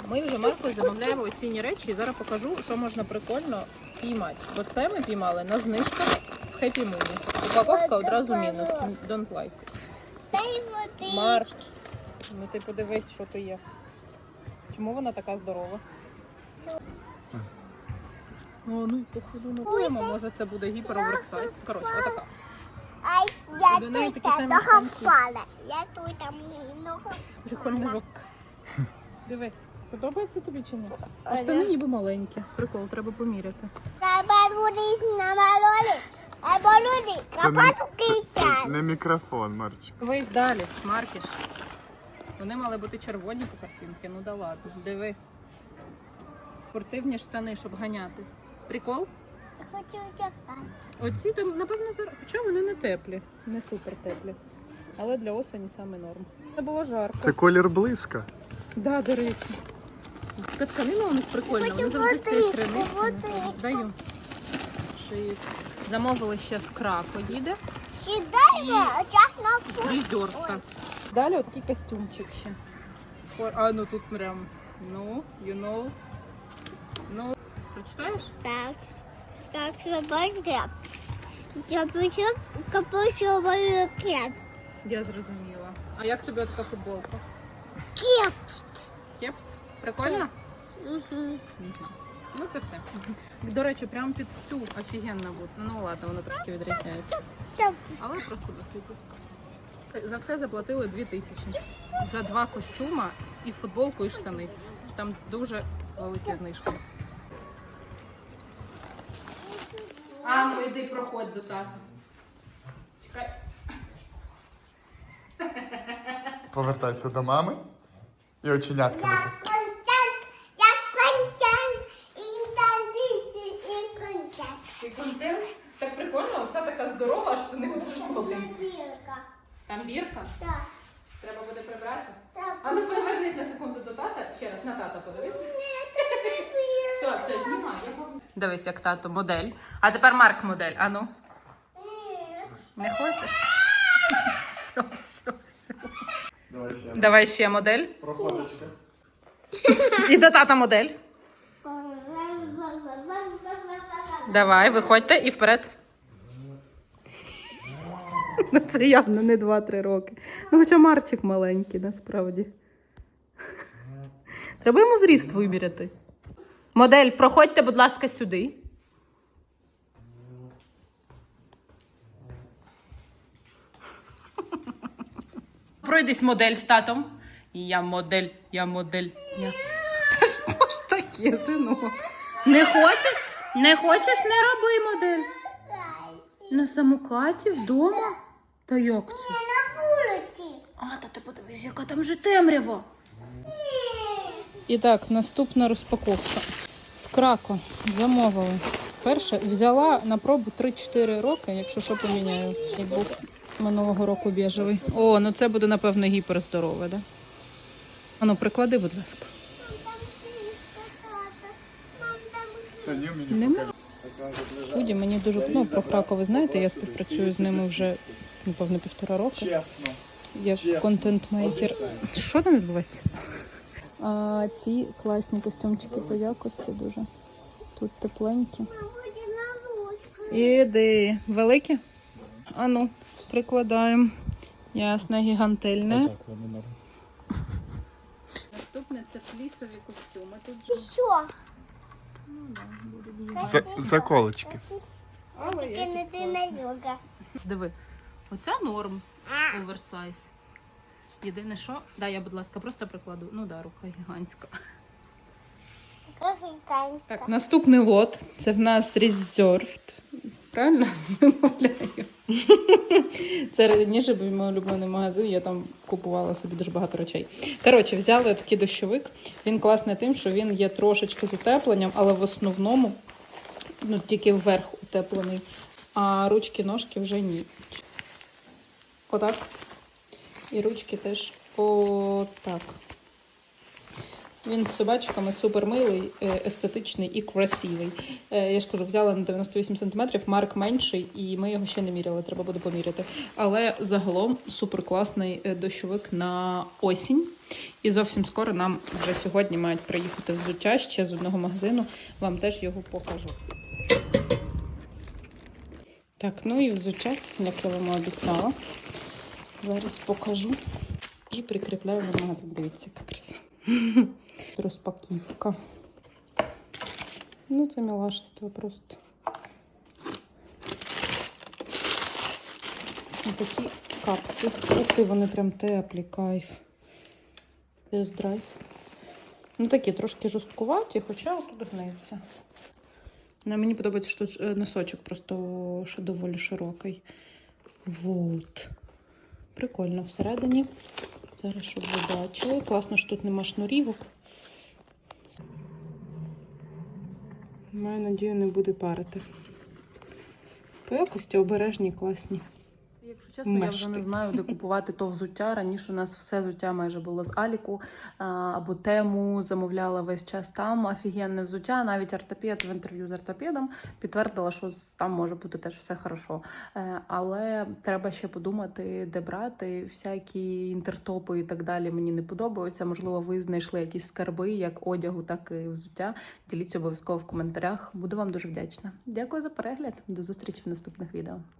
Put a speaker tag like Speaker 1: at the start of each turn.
Speaker 1: Ми вже Маркою замовляємо осінні речі і зараз покажу, що можна прикольно піймати. Бо це ми піймали на знижках в Happy Moon. Упаковка одразу мінус. Don't like. Марк, ну ти подивись, що то є. Чому вона така здорова? О, ну походу накуємо, може це буде гіпер-оверсайз. Коротше, отака.
Speaker 2: Я
Speaker 1: До неї
Speaker 2: тут
Speaker 1: такі самі
Speaker 2: того
Speaker 1: штанці.
Speaker 2: впала. Я тут там ногу.
Speaker 1: Прикольна жопка. Диви, подобається тобі чи ні? А штани ніби маленькі. Прикол, треба поміряти.
Speaker 3: Це не мікрофон, Марчик.
Speaker 1: Дивись далі, Маркіш. Вони мали бути червоні по картинці, ну да ладно. Диви. Спортивні штани, щоб ганяти. Прикол?
Speaker 2: Я хочу чекати.
Speaker 1: Оці там, напевно, зараз. Хоча вони не теплі, не супер теплі. Але для осені саме норм. Не було жарко.
Speaker 3: Це колір блиска.
Speaker 1: Да, до речі. Така тканина у них прикольна, вони завжди з цієї ткани. Даю. Шиють. Замовили ще з Крако їде.
Speaker 2: Сідай, час на
Speaker 1: Фрізерка. Далі отакий костюмчик ще. А, ну тут прям, ну, you know. Ну, прочитаєш?
Speaker 2: Так. Так, собачка. Я почав капучовий кеп.
Speaker 1: Я зрозуміла. А як тобі така футболка?
Speaker 2: Кеп.
Speaker 1: Кепт? Прикольно?
Speaker 2: Угу.
Speaker 1: Ну це все. До речі, прям під цю офігенно буде. Ну ладно, воно трошки відрізняється. Але просто досить. За все заплатили 2000. За 2 костюма і футболку, і штани. Там дуже великі знижки. А, ну йди проходь до тата. Чекай.
Speaker 3: Повертайся до мами і оченятка.
Speaker 1: Ти контент? Так прикольно, оця така здорова, а штани дуже маленькі. Там бірка?
Speaker 2: Так.
Speaker 1: Треба буде прибрати?
Speaker 2: Так.
Speaker 1: А ну повернись на секунду до тата. Ще раз на тата подивись. Все, знімай. Дивись, як тато модель. А тепер Марк модель. А ну. Не хочеш? Все. Давай ще модель.
Speaker 3: Проходочка.
Speaker 1: І до тата модель. Давай, виходьте і вперед. Ну це явно не 2-3 роки. Ну хоча Марчик маленький, насправді. Треба йому зріст виміряти. Модель, проходьте, будь ласка, сюди. Пройдись модель з татом. Я модель. Та що ж таке, синок? Не хочеш? Не хочеш, не роби модель. На самокаті вдома? Та як це?
Speaker 2: На вулиці.
Speaker 1: А, та ти подивись, яка там вже темрява. І так, наступна розпаковка. З Крако замовили. Перше, взяла на пробу 3-4 роки, якщо що поміняю. Як був минулого року біжевий. О, ну це буде, напевно, гіперздорове, да? А ну, приклади, будь ласка.
Speaker 3: Та ні, мені
Speaker 1: Нема? Худі, мені дуже, ну, про Крако ви знаєте, я співпрацюю з ними вже, напевно, 1,5 року.
Speaker 3: чесно.
Speaker 1: Як контент-мейкер. Що там відбувається? А ці класні костюмчики по якості дуже. Тут тепленькі. Іди. Великі? А ну, прикладаємо. Ясно, гігантельне. Наступне це флісові костюми. Тут же.
Speaker 2: Що?
Speaker 3: Заколочки.
Speaker 1: Але
Speaker 2: Ти не ти на йога.
Speaker 1: Диви, оця норм, оверсайз. Єдине що, дай я, будь ласка, просто прикладу. Ну да, рука гігантська. Так, наступний лот. Це в нас Reserved. Правильно вимовляю? Це раніше був мій улюблений магазин, я там купувала собі дуже багато речей. Коротше, взяли такий дощовик. Він класний тим, що він є трошечки з утепленням, але в основному ну, тільки вверх утеплений, а ручки-ножки вже ні. Отак. І ручки теж отак. Він з собачками супер милий, естетичний і красивий. Я ж кажу, взяла на 98 см, Марк менший, і ми його ще не міряли, треба буде поміряти. Але загалом супер класний дощовик на осінь. І зовсім скоро нам вже сьогодні мають приїхати взуття ще з одного магазину. Вам теж його покажу. Так, ну і взуття, як я вам обіцяла. Зараз покажу і прикріпляю на магазин. Дивіться, яка краса. Розпаківка. Ну, це милашество просто. Ось такі капці. Ух ти, вони прям теплі, кайф. Тест-драйв. Ну, такі трошки жорсткуваті, хоча тут гнуться. Мені подобається, що тут носочок просто доволі широкий. Вот. Прикольно всередині. Зараз, щоб ви бачили. Класно, що тут нема шнурівок. Маю надію, не буде парити. По якості обережні, класні. Якщо чесно, я вже не знаю, де купувати то взуття. Раніше у нас все взуття майже було з Аліку або Тему, замовляла весь час там. Офігенне взуття. Навіть ортопед в інтерв'ю з ортопедом підтвердила, що там може бути теж все хорошо. Але треба ще подумати, де брати. Всякі інтертопи і так далі мені не подобаються. Можливо, ви знайшли якісь скарби, як одягу, так і взуття. Діліться обов'язково в коментарях. Буду вам дуже вдячна. Дякую за перегляд. До зустрічі в наступних відео.